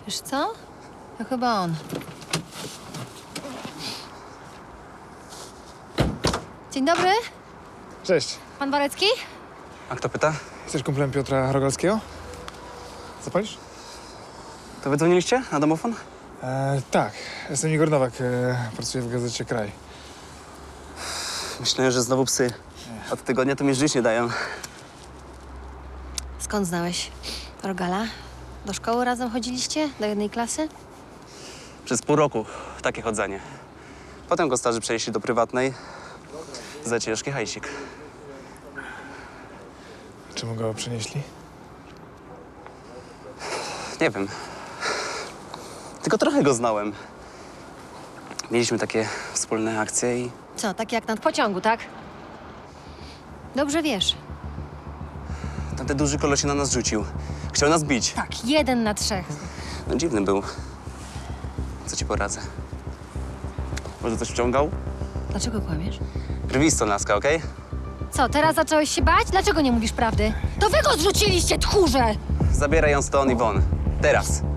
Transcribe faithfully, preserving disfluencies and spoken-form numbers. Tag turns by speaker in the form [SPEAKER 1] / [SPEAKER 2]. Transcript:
[SPEAKER 1] Wiesz co? To chyba on. Dzień dobry.
[SPEAKER 2] Cześć.
[SPEAKER 1] Pan Warecki?
[SPEAKER 3] A kto pyta?
[SPEAKER 2] Jesteś kumplem Piotra Rogalskiego? Zapalisz?
[SPEAKER 3] To wy dzwoniliście na domofon?
[SPEAKER 2] E, tak. Jestem Igor Nowak. E, pracuję w gazecie Kraj.
[SPEAKER 3] Myślałem, że znowu psy. Od tygodnia to mi żyć nie dają.
[SPEAKER 1] Skąd znałeś Rogala? Do szkoły razem chodziliście? Do jednej klasy?
[SPEAKER 3] Przez pół roku takie chodzenie. Potem go starzy przenieśli do prywatnej. Za ciężki hajsik.
[SPEAKER 2] Czemu go przenieśli?
[SPEAKER 3] Nie wiem. Tylko trochę go znałem. Mieliśmy takie wspólne akcje i
[SPEAKER 1] Co, tak jak nad pociągu, tak? Dobrze wiesz.
[SPEAKER 3] tamten duży koleś się na nas rzucił. Chciał nas bić.
[SPEAKER 1] Tak, jeden na trzech.
[SPEAKER 3] No dziwny był. Co ci poradzę? Może coś wciągał?
[SPEAKER 1] Dlaczego kłamiesz?
[SPEAKER 3] Krwisto, laska, okej?
[SPEAKER 1] Co, teraz zacząłeś się bać? Dlaczego nie mówisz prawdy? To wy go zrzuciliście, tchórze!
[SPEAKER 3] Zabieraj ją stąd i won. Teraz.